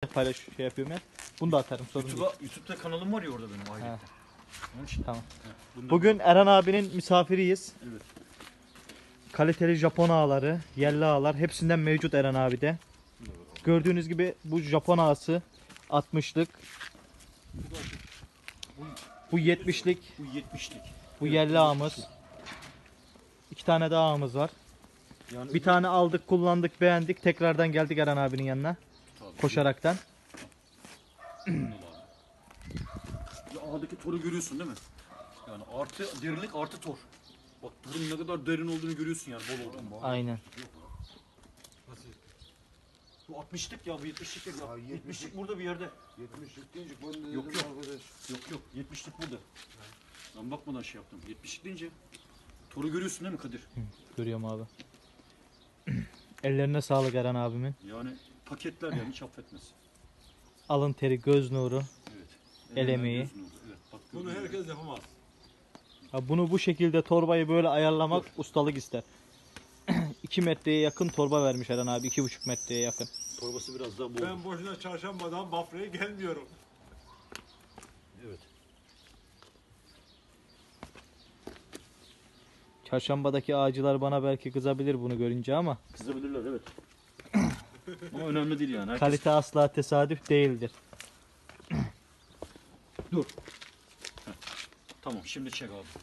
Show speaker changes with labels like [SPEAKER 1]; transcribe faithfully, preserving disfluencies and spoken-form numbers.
[SPEAKER 1] paylaş şey yapıyorum ya. Bunu da atarım, sorun değil.
[SPEAKER 2] YouTube'a, YouTube'da kanalım var ya orada benim ayrıca. Onun için.
[SPEAKER 1] Tamam.
[SPEAKER 2] He, bundan-
[SPEAKER 1] Bugün Eren abinin misafiriyiz.
[SPEAKER 2] Evet.
[SPEAKER 1] Kaliteli Japon ağları, yerli ağlar hepsinden mevcut Eren abide. Gördüğünüz gibi bu Japon ağası altmışlık. Bu yetmişlik.
[SPEAKER 2] Bu yetmişlik.
[SPEAKER 1] Bu yerli ağımız. İki tane daha ağımız var.
[SPEAKER 2] Yani
[SPEAKER 1] Bir tane aldık, kullandık, beğendik. Tekrardan geldik Eren abinin yanına.
[SPEAKER 2] Tabii.
[SPEAKER 1] Koşaraktan.
[SPEAKER 2] Ya ağdaki toru görüyorsun değil mi? Yani artı derinlik artı tor. Bak torun ne kadar derin olduğunu görüyorsun yani bol olduğunu.
[SPEAKER 1] Aynen.
[SPEAKER 2] Bu altmışlık ya bu yetmişlik değil ya.
[SPEAKER 3] Ya yetmişlik.
[SPEAKER 2] yetmişlik burada bir yerde.
[SPEAKER 3] yetmişlik deyince ben de dedim
[SPEAKER 2] Yok, yok.
[SPEAKER 3] arkadaş.
[SPEAKER 2] Yok yok yetmişlik burada. Ben bakmadan şey yaptım. yetmişlik deyince toru görüyorsun değil mi Kadir?
[SPEAKER 1] Görüyorum abi. Ellerine sağlık Eren abimin.
[SPEAKER 2] Yani paketler yani hiç affetmez.
[SPEAKER 1] Alın teri, göz nuru.
[SPEAKER 2] Evet.
[SPEAKER 1] El
[SPEAKER 2] Elinden
[SPEAKER 1] emeği.
[SPEAKER 2] gözün oldu. Evet, bak,
[SPEAKER 4] Bunu
[SPEAKER 2] gördün mü?
[SPEAKER 4] herkes yapamaz.
[SPEAKER 1] Ha, bunu bu şekilde torbayı böyle ayarlamak ustalık ister. iki metreye yakın torba vermiş Eren abi. iki buçuk metreye yakın.
[SPEAKER 2] Torbası biraz daha bol.
[SPEAKER 4] Ben boşuna çarşambadan Bafra'ya gelmiyorum.
[SPEAKER 2] Evet.
[SPEAKER 1] Çarşambadaki ağacılar bana belki kızabilir bunu görünce ama
[SPEAKER 2] Kızabilirler evet. Ama önemli değil yani. Herkes...
[SPEAKER 1] kalite asla tesadüf değildir.
[SPEAKER 2] Dur. Heh. Tamam şimdi çek abi.